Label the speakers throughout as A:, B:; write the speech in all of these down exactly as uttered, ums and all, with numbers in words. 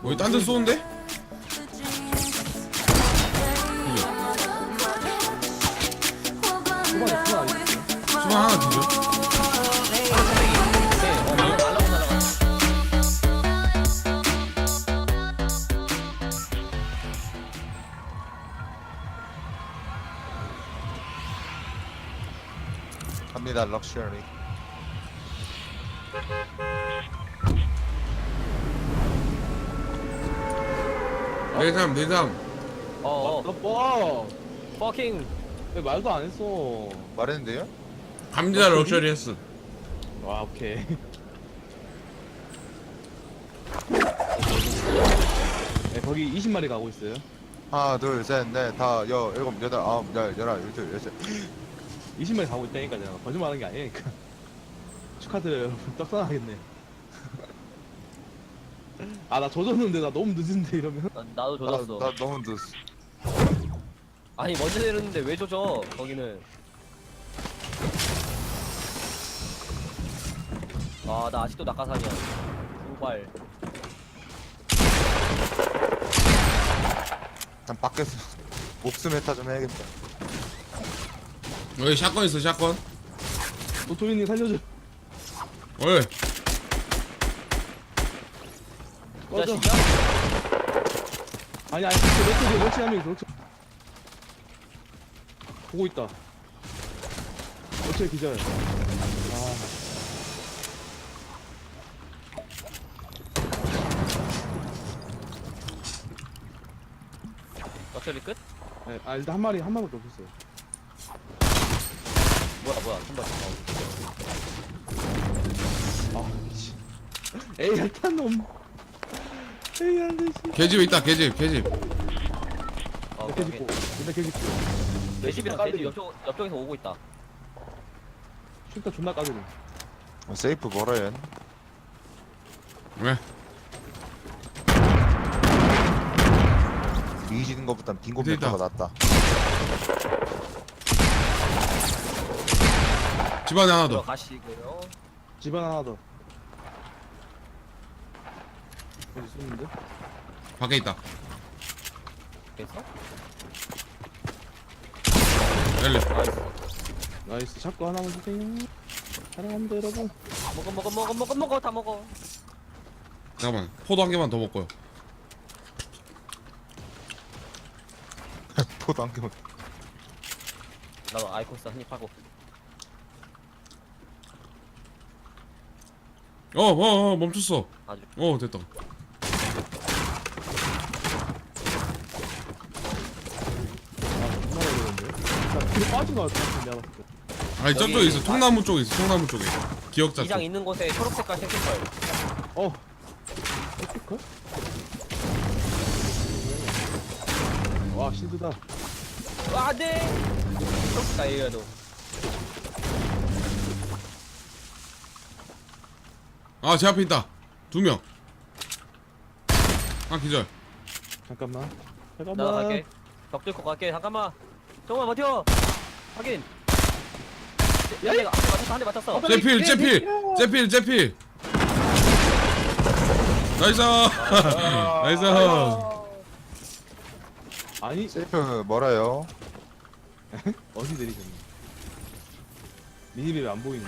A: 여기 딴 데 쏘는데?
B: 초반에 그거 아니지?
A: 수방 하나 뒤져.
C: 갑니다 럭셔리.
A: 내삼 내삼.
D: 어어
B: 어,
D: 퍼킹
B: 왜 말도 안 했어?
C: 말했는데요?
A: 감자 럭셔리 했어.
B: 와, 오케이. 네, 거기 이십 마리 가고 있어요.
C: 하나 둘셋넷 다 여 일곱 여덟 아홉 열 열한 열둘 열셋.
B: 이십 마리 가고 있다니까 제가 거짓말하는 게 아니니까. 축하드려요, 여러분. 떡상하겠네. 아, 나 조졌는데 나 너무 늦은데 이러면.
D: 나, 나도
C: 나,
D: 조졌어.
C: 나 너무 늦었어.
D: 아니 먼저 내렸는데 왜 조져 거기는. 아 나 아직도 낙하산이야. 두발.
C: 난 밖에서 목숨 메타 좀 해야겠다.
A: 여기 샷건 있어 샷건.
B: 도토리님 살려줘.
A: 어이.
D: 이
B: 꺼져.
D: 자식이야?
B: 아니, 아니, 멸치, 멸치, 멸치 한 명이 멸치. 보고 있다. 멸치 기절. 아.
D: 럭셔리 끝?
B: 네, 아, 일단 한 마리, 한 마리밖에 없었어요.
D: 뭐야 뭐야 한발. 어.
B: 아, 미치. 에이, 얄탄 놈. 에이, 안 돼, 씨.
A: 개집 있다 개집 개집.
D: 어,
B: 이렇게 짓고, 이렇게 짓고.
D: 내 집이랑 내 집 옆쪽 옆쪽에서 오고 있다.
B: 슈터 존나 까드네.
C: 어, 세이프 멀어요.
A: 왜?
C: 미지는 것보단 빈곤
A: 밑에 있다.
C: 메타가 낫다.
A: 집안에 하나 더.
D: 들어가시고요.
B: 집안 하나 더. 여기 쏘는데?
A: 밖에 있다.
D: 그래서
A: 열리.
D: 나이스.
B: 나이스, 샷건 하나만 주세요. 사랑합니다, 여러분.
D: 먹어 먹어 먹어 먹어 먹어 다 먹어.
A: 잠깐만. 포도 한 개만 더 먹고요.
C: 포도 한 개만.
D: 나도 아이코스 한입 하고.
A: 어어어 어, 멈췄어.
D: 아주.
A: 어 됐다.
B: 아, 존나 어려운데? 나 뒤로 빠진 거 같아, 내가 봤을 때.
A: 아니 저쪽에
D: 여기-
A: 있어. 통나무 쪽에 있어. 통나무 쪽에. 기억자
D: 이장
A: 쪽.
D: 있는 곳에 초록색깔 생긴걸.
B: 어. 어떡해? 와, 실드다.
D: 아 안돼. 초록색깔 얘기해도.
A: 아 제 앞에 있다. 두 명. 아 기절.
B: 잠깐만. 잠깐만.
D: 나 갈게. 벽 뚫고 갈게. 잠깐만. 정말 버텨. 확인.
B: 야,
D: 한 대가 한 대 맞췄어. 한 대 맞췄어.
A: 제필 제필 제필 제필. 나이스. 나이스.
B: 아니,
C: 세이프 멀어요.
B: 어디 내리셨니? 미니맵 안 보이는데.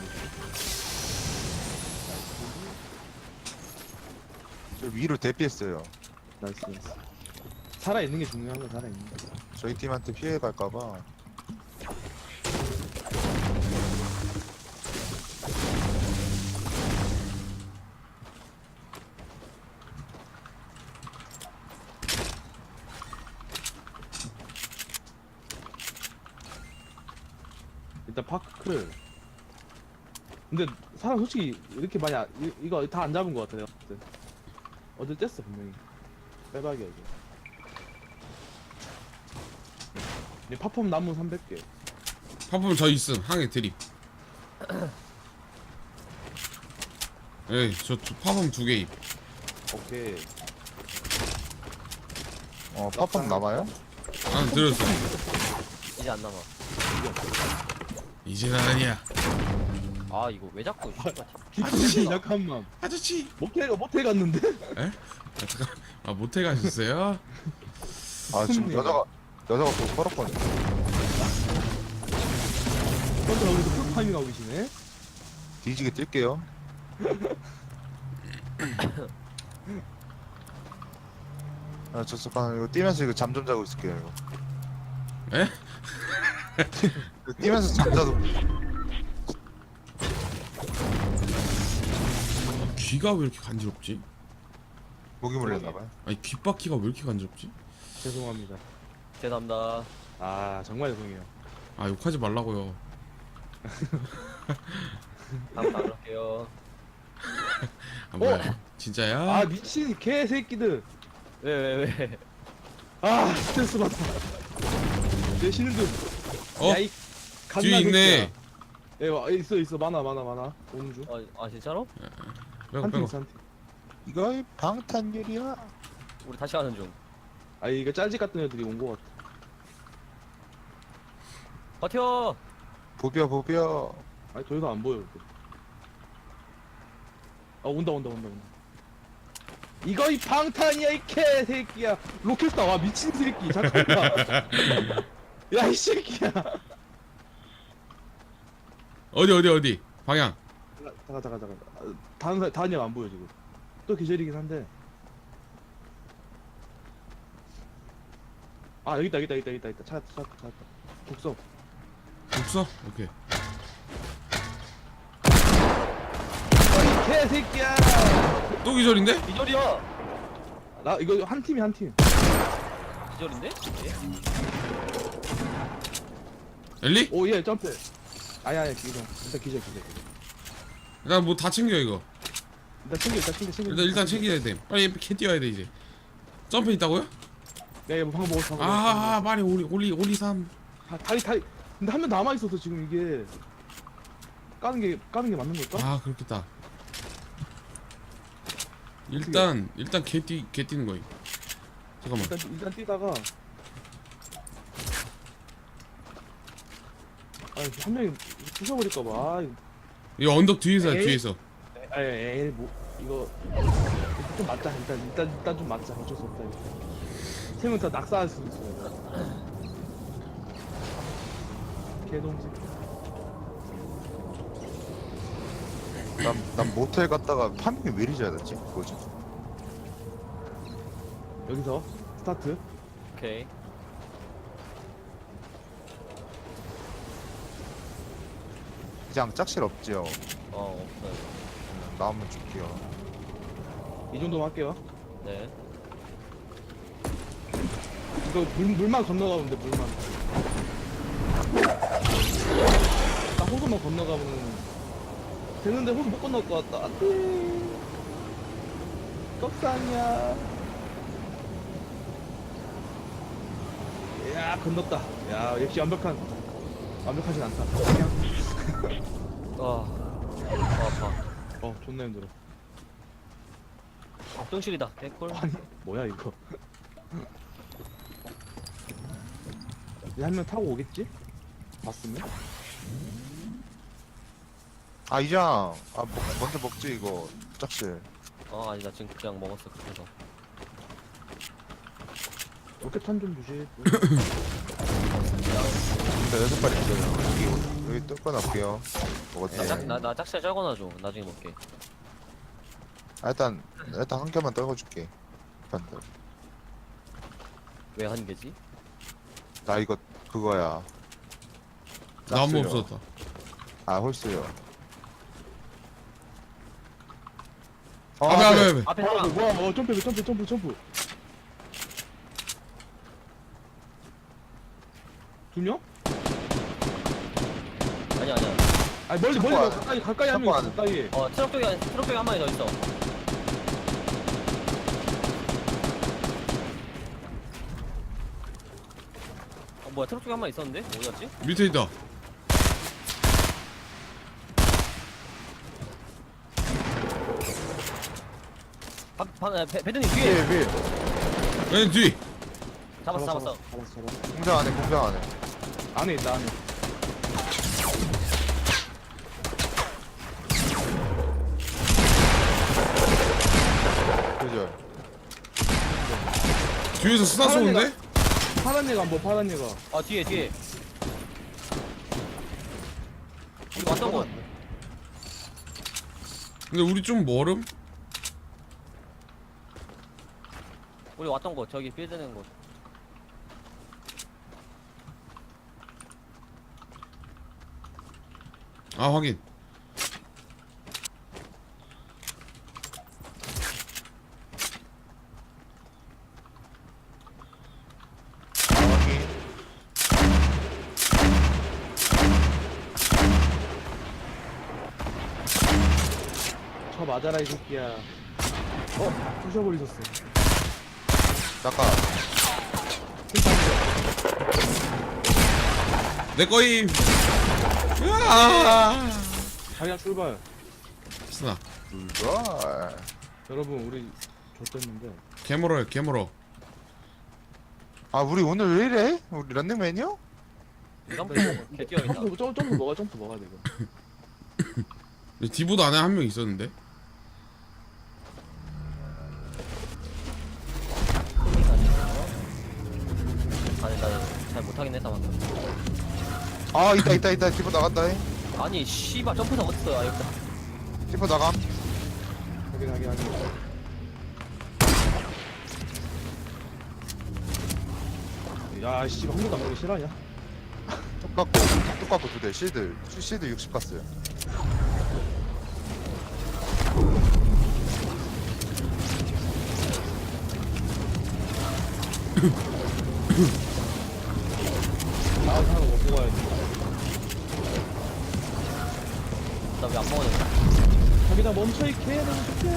C: 저 위로 대피했어요.
B: 나이스, 나이스. 살아있는 게 중요한 거, 살아있는 거.
C: 저희 팀한테 피해 갈까봐.
B: 일단 파크를. 근데 사람 솔직히 이렇게 많이 안- 이, 이거 다 안 잡은 거 같아 내가 봤을 때. 어딜 뗐어 분명히. 빼박이야 이게. 이 팝업 나무 삼백 개.
A: 파품 저 있음. 항해 드립. 에이 저 파품 두 개임.
B: 오케이.
C: 어 팝업 남아요?
A: 아 들었어.
D: 이제 안 남아.
A: 이제는 아니야.
D: 아 이거 왜 자꾸 씨발
B: 기쁘지 잠깐만.
A: 아저씨.
B: 모텔 모텔 갔는데?
A: 에? 아, 잠깐. 아 모텔 가셨어요?
C: 아 지금
B: 손님.
C: 여자가 여자가 또 펄었거든.
B: 혼자 여기서 풀파이밍 하고 계시네.
C: 뒤지게 뛸게요. 아, 저 잠깐 이거 뛰면서 이거 잠 좀 자고 있을게요. 이거.
A: 에?
C: 이거 뛰면서 잠 자도
A: 아, 귀가 왜 이렇게 간지럽지?
C: 목이 물렸나봐요.
A: 아니 귓바퀴가 왜 이렇게 간지럽지?
B: 죄송합니다.
D: 죄송합니다.
B: 아 정말 죄송해요.
A: 아 욕하지 말라고요.
D: 다음 안 할게요.
A: 아 뭐야? 진짜야?
B: 아 미친 개새끼들.
D: 왜 왜 왜?
B: 아 스트레스 받다. 내 신는 중.
A: 어?
B: 야이
A: 뒤에 있네.
B: 예 와, 있어 있어 많아 많아 많아. 오는 중.
D: 아, 아 진짜로?
A: 빼고
B: 한 팀
A: 빼고.
B: 있어 한 팀.
C: 이거 방탄유리야.
D: 우리 다시 가는 중.
B: 아 이거 짤집 같은 애들이 온 거 같아.
D: 버텨.
C: 보비야 보비야.
B: 아니 더 이상 안 보여. 이렇게. 아 온다 온다 온다 온다. 이거 이 방탄이야 이 개새끼야. 로켓스타 와 미친 새끼 잠깐만. 야 이 새끼야.
A: 어디 어디 어디? 방향.
B: 잠깐 잠깐 잠깐. 아, 다른 사 다른 애가 안 보여 지금. 또 계절이긴 한데. 아 여기 있다 여기 있다 여기 있다 여기 있다. 찾았다 찾았다 찾았다. 독서.
A: 없어? 오케이.
B: 이 개새끼야.
A: 또 기절인데?
D: 기절이야.
B: 나 이거 한 팀이 한 팀.
D: 기절인데? 예?
A: 엘리?
B: 오예 점프. 아야 아야 기절. 일단 기절 기절.
A: 일단 뭐 다 챙겨 이거.
B: 일단 챙겨 일단 챙겨 챙겨.
A: 일단 일단 챙겨야 돼. 빨리 캐 뛰어야 돼 이제. 점프 있다고요?
B: 네 방금 먹었어. 방금
A: 아, 빨리 올리 올리 올리 삼.
B: 다, 다리 다리. 근데 한 명 남아 있어서 지금 이게 까는 게 까는 게 맞는 걸까?
A: 아 그렇겠다. 일단 일단 개뛰 개 뛰는 거임. 잠깐만.
B: 일단 일단 뛰다가 아한 명이 부숴버릴까 봐. 아,
A: 이 언덕 뒤에서
B: 에이.
A: 뒤에서.
B: 아, 에이 뭐 이거 좀 맞자. 일단 일단 일단 좀 맞자. 어쩔 수 없다. 이거. 세 명 다 낙사할 수도 있어. 개동지.
C: 난, 난 모텔 갔다가 파밍이 왜 이리 잘 됐지? 뭐지?
B: 여기서 스타트.
D: 오케이.
C: 그냥 짝실 없지요.
D: 어 없어요.
C: 음, 나오면 줄게요.
B: 이 정도만 할게요.
D: 네.
B: 이거 물, 물만 건너가면 돼 물만. 나 호수만 건너가면 되는데 호수 못 건널 것 같다. 안돼. 떡상이야. 야 건넜다. 야 역시 완벽한 완벽하진 않다. 그냥
D: 아, 아 아파.
B: 어 존나 힘들어.
D: 똥실이다. 개꿀.
B: 아니 뭐야 이거. 이제 한 명 타고 오겠지? 봤으면?
C: 아 이장. 아 먹, 먼저 먹지 이거 짝실.
D: 어 아니 나 지금 그냥 먹었어 그래서.
B: 로켓탄 좀 주시.
C: 근데 여섯 발 있어요. 여기 여기 뚫고 놔볼게요. 먹었다.
D: 나, 짝, 나, 나 짝살 쩔거나줘. 나중에 먹게.
C: 아, 일단 일단 한 개만 떨궈줄게. 반대.
D: 왜 한 개지?
C: 나 이거 그거야.
A: 나무
C: 짝수요.
A: 없었다.
C: 아 홀수요. 어,
A: 앞에 앞에 앞에.
D: 앞에
B: 아,
D: 하나.
B: 뭐야? 어, 점프, 점프, 점프, 점프. 두 명?
D: 아니 아니야.
B: 아니 멀리, 멀리,
C: 참고 안-
B: 가까이, 가까이 하면
C: 참고 안-
B: 가까이.
D: 어 트럭 쪽에 한- 트럭 쪽에 한 마리 더 있어. 어 뭐야 트럭 쪽에 한 마리 있었는데 어디 갔지?
A: 밑에 있다.
D: 박, 박, 배, 배드님
C: 위에
D: 뒤에
C: 위에.
A: 왼 뒤.
D: 잡았어 잡았어.
B: 잡았어, 잡았어.
C: 공장 안에 공장 안에.
B: 안에 있다, 안에.
A: 뒤에서 스나
B: 파란
A: 쏘는데?
B: 파란 얘가 뭐 파란 얘가.
D: 아 뒤에 뒤에. 우리 왔던 곳.
A: 근데 우리 좀 멀음?
D: 우리 왔던 곳 저기 빌드는 곳.
A: 아 확인.
B: 저 맞아라 이 새끼야. 어 부셔버리셨어.
C: 잠깐.
A: 내 거임. 으아!
B: 자기야 출발.
A: 스나.
C: 불발.
B: 여러분 우리 좆됐는데.
A: 개멀어요 개멀어.
C: 아 우리 오늘 왜 이래? 우리 런닝맨이요?
D: 점프 개 뛰어있다.
B: 점프 점프 점프 먹어 점프 먹어야 돼 이거.
A: 디보드 안에 한 명 있었는데.
D: 아니 나잘 못하긴 했다 방금.
C: 아 있다 있다 있다. 디퍼 나간다. 잉.
D: 아니 씨발 점프는 어딨어? 아 여기다.
C: 디퍼 나감.
B: 확인 확인 확인. 야 씨, 한 번도 안 가기 싫어하냐?
C: 똑같고 똑같고 두 대. 실드 실드 육십 갔어요.
B: 아, 하나 먹고 가야지.
D: 나 왜 안 먹어야 돼?
B: 자기다 멈춰 이 개는 새끼.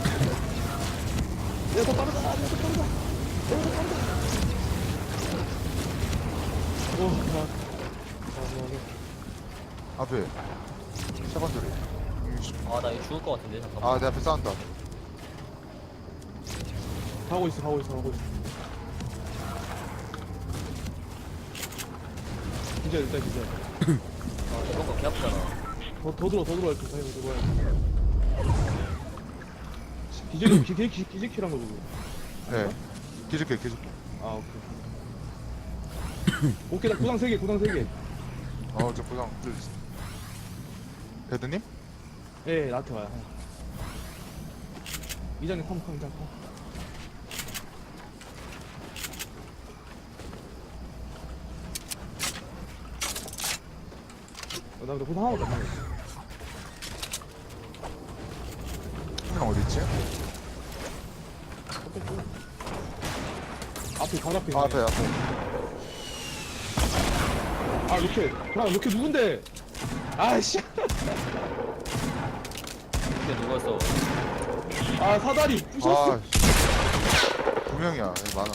B: 내가 더 빠르다. 내가 더 빠르다. 내가 더 빠르다. 오, 나. 아, 뭐, 뭐.
C: 앞에 세번 소리.
D: 아 나 이거 죽을 것 같은데 잠깐만.
C: 아 내 앞에 싸운다.
B: 가고 있어, 가고 있어, 가고 있어. 기절, 일단 기절.
D: 아 이런 거개 아프잖아.
B: 더, 더 들어, 더 들어야 돼. 사이로 들어야 돼. 기절이, 기, 기, 기, 기절키란 거지.
C: 네. 기줄게 기줄게.
B: 아, 오케이. 오케이, 나 구상 세 개, 구상 세 개.
C: 어저 고장 뚫. 배드님?
B: 예, 예, 나한테 와요. 이장님 컴, 컴, 이장 컴. 어, 나 근데 구상 하나도 안 나왔어.
C: 형 어디 있지?
B: 앞에, 바로 앞에.
C: 아
B: 있네.
C: 앞에 앞에.
B: 아, 로켓. 그럼 로켓 누군데? 아이씨.
D: 이게 누구였어?
B: 아, 사다리 부셨어.
C: 아, 두 명이야. 여기 많아.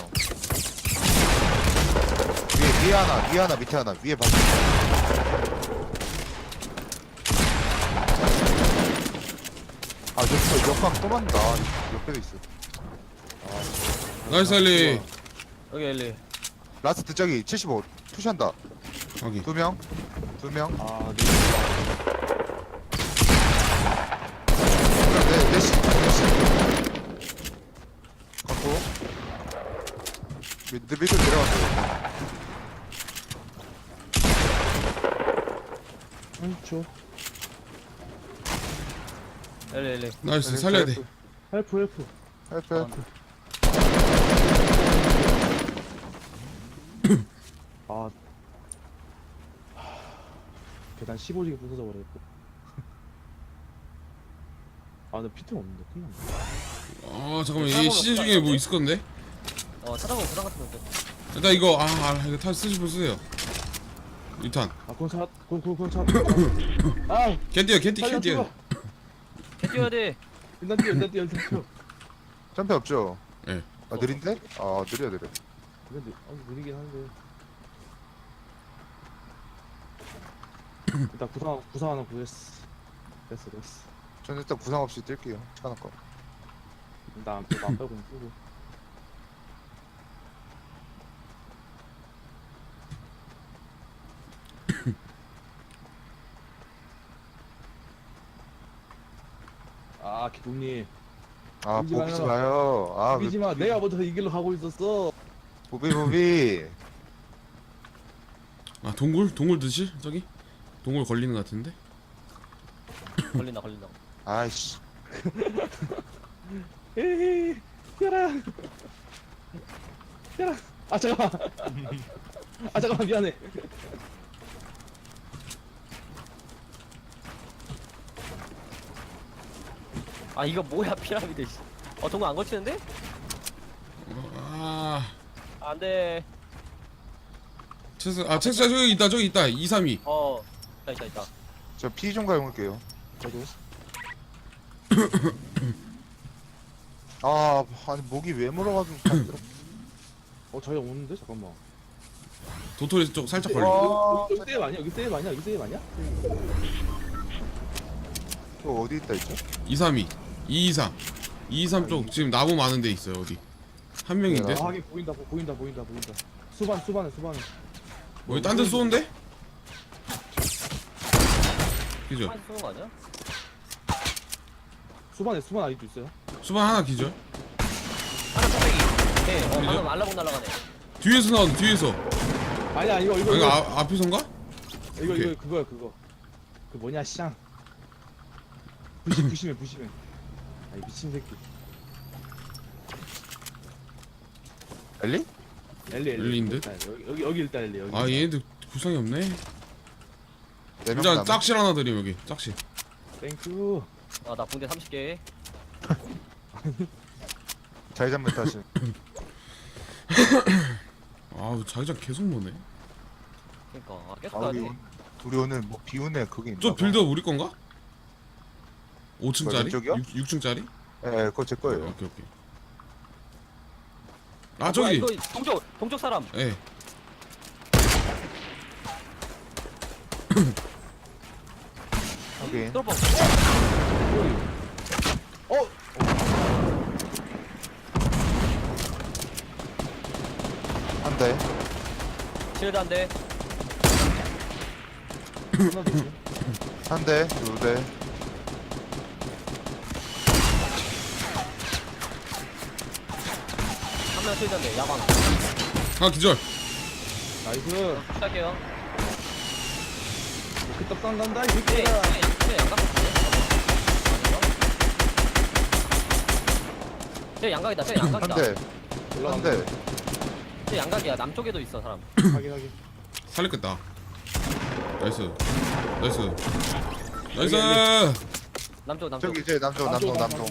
C: 위에, 위에 하나, 위에 하나, 밑에 하나, 위에 봐. 아, 저기서 역광 또 만다. 옆에도 있어.
A: 나이스 알리.
D: 여기 엘리.
C: 라스트 저기 칠십오. 푸시한다.
A: 확인.
C: 두 명, 두 명.
B: 아, 네.
C: 네, 넷시, 넷시. 갖고. 밑, 밑으로 내려갔어.
B: 한초.
D: 엘리 엘리.
A: 나이스 살려야 돼.
B: 헬프, 헬프.
C: 헬프, 헬프.
B: 아. 계단 십오 지게 부서져 버렸고. 아, 나 피트 없는데. 큰일 났네.
A: 아 잠깐만 얘 시즌 중에 뭐 있을 건데?
D: 어 찾아보면 부상 같은 거 있어.
A: 일단 이거 아, 아 이거 타 쓰시면 쓰세요. 유탄.
B: 아, 그건 차, 그건, 그건, 그건 차. 아,
A: 캔디어 캔디
B: 살려,
A: 캔디어.
B: 죽어.
D: 개 뛰어야 돼.
B: 일단 뛰어, 일단 뛰어, 일단 뛰어.
C: 점프 없죠?
A: 예.
C: 아, 느린데? 아, 느려, 느려.
B: 근데, 아, 느리긴 한데. 일단 구상, 구상 하나 구했어. 됐어, 됐어.
C: 저는 일단 부상 없이 뛸게요. 하나 거.
B: 나 안 빼고, 안 빼고 그냥 끄고. 아, 기동님.
C: 아,
B: 울지
C: 보기지
B: 마요.
C: 마요. 아,
B: 비지 마. 내가 먼저 이 길로 가고 있었어.
C: 부비 부비.
A: 아 동굴? 동굴 드실? 저기? 동굴 걸리는 것 같은데?
D: 걸린다 걸린다.
C: 아이씨.
B: 에이, 뛰어라. 뛰어라. 아 잠깐만. 아 잠깐만 미안해.
D: 아 이거 뭐야 피라미드. 씨. 어 동굴 안 걸치는데?
A: 아
B: 네.
D: 안돼.
A: 체스 아 체스 저기 있다 저기 있다 이삼이.
D: 어 있다 있다 있다.
C: 저 피 좀 가용할게요.
B: 저도.
C: 아 아니 목이 왜 물어가지고.
B: 어 저희 오는데 잠깐만.
A: 도토리 쪽 살짝 걸려.
C: 와.
B: 여기 세이브 아니야? 여기 세이브 아니야? 여기 세이브 아니야?
C: 또 어디 있다 있죠?
A: 이삼이 이이삼 이이삼 쪽 지금 나무 많은 데 있어요. 어디? 한 명인데?
B: 아 하긴 보인다 보- 보인다 보인다 보인다. 수반 수반에 수반에.
A: 어디 딴 데 쏘는데? 기절.
D: 한 쏘는 거 아니야?
B: 수반에 수반 아직도 있어요?
A: 수반 하나 기절.
D: 하나 쏘배기. 네. 어
A: 그죠?
D: 방금 알라봉 날라가네.
A: 뒤에서 나온다 뒤에서.
B: 아니야 이거 이거
A: 아, 이거
B: 이거
A: 아, 앞에선가?
B: 이거
A: 오케이.
B: 이거 그거야 그거. 그 뭐냐 샹. 부시 부시면 부시면. 아이 미친 새끼.
C: 엘리?
B: 엘리 엘리.
A: 엘리인데?
B: 일단 여기 여기 여기 일단 엘리 여기.
A: 아 얘네들 구상이 없네.
C: 네명
A: 일단
C: 남은.
A: 짝실 하나 드림 여기 짝실.
B: 땡큐.
D: 아나 붕대 삼십 개.
C: 자기장 메타시.
A: 아우 자기장 계속 모네.
D: 그러니까 아, 계속
C: 아
D: 가야
C: 우리
D: 돼.
C: 우리 오늘 뭐 비운에 그게 있나?
A: 저
C: 봐.
A: 빌더 우리 건가? 오 층짜리?
C: 왼쪽이요?
A: 육 층짜리?
C: 예, 예, 그거 제 거예요.
A: 오케이 오케이. 아
D: 뭐야,
A: 저기.
D: 이거 동쪽 동쪽 사람.
A: 예.
C: 확인.
D: 뚫어봐.
B: 어.
C: 한 대.
D: 실드 한 대.
B: 하나 더 있어.
C: 한 대. 두 대.
D: 한 명 실드 한 대. 야방.
A: 아 기절.
B: 나이스.
D: 시작해요.
B: 그 떡상 간다 이
D: 네,
B: 새끼야.
D: 네, 네, 양각 같은데? 쟤 양각이다. 쟤
C: 한
D: 양각이다.
C: 대. 한
B: 올라간다.
C: 대.
D: 쟤 양각이야. 남쪽에도 있어 사람.
B: 확인 확인.
A: 살렸겠다. 나이스. 나이스.
B: 여기,
A: 나이스.
D: 남쪽 남쪽.
C: 저기 이제 남쪽 남쪽 남쪽.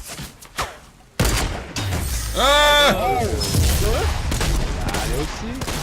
A: 아!
B: 아 역시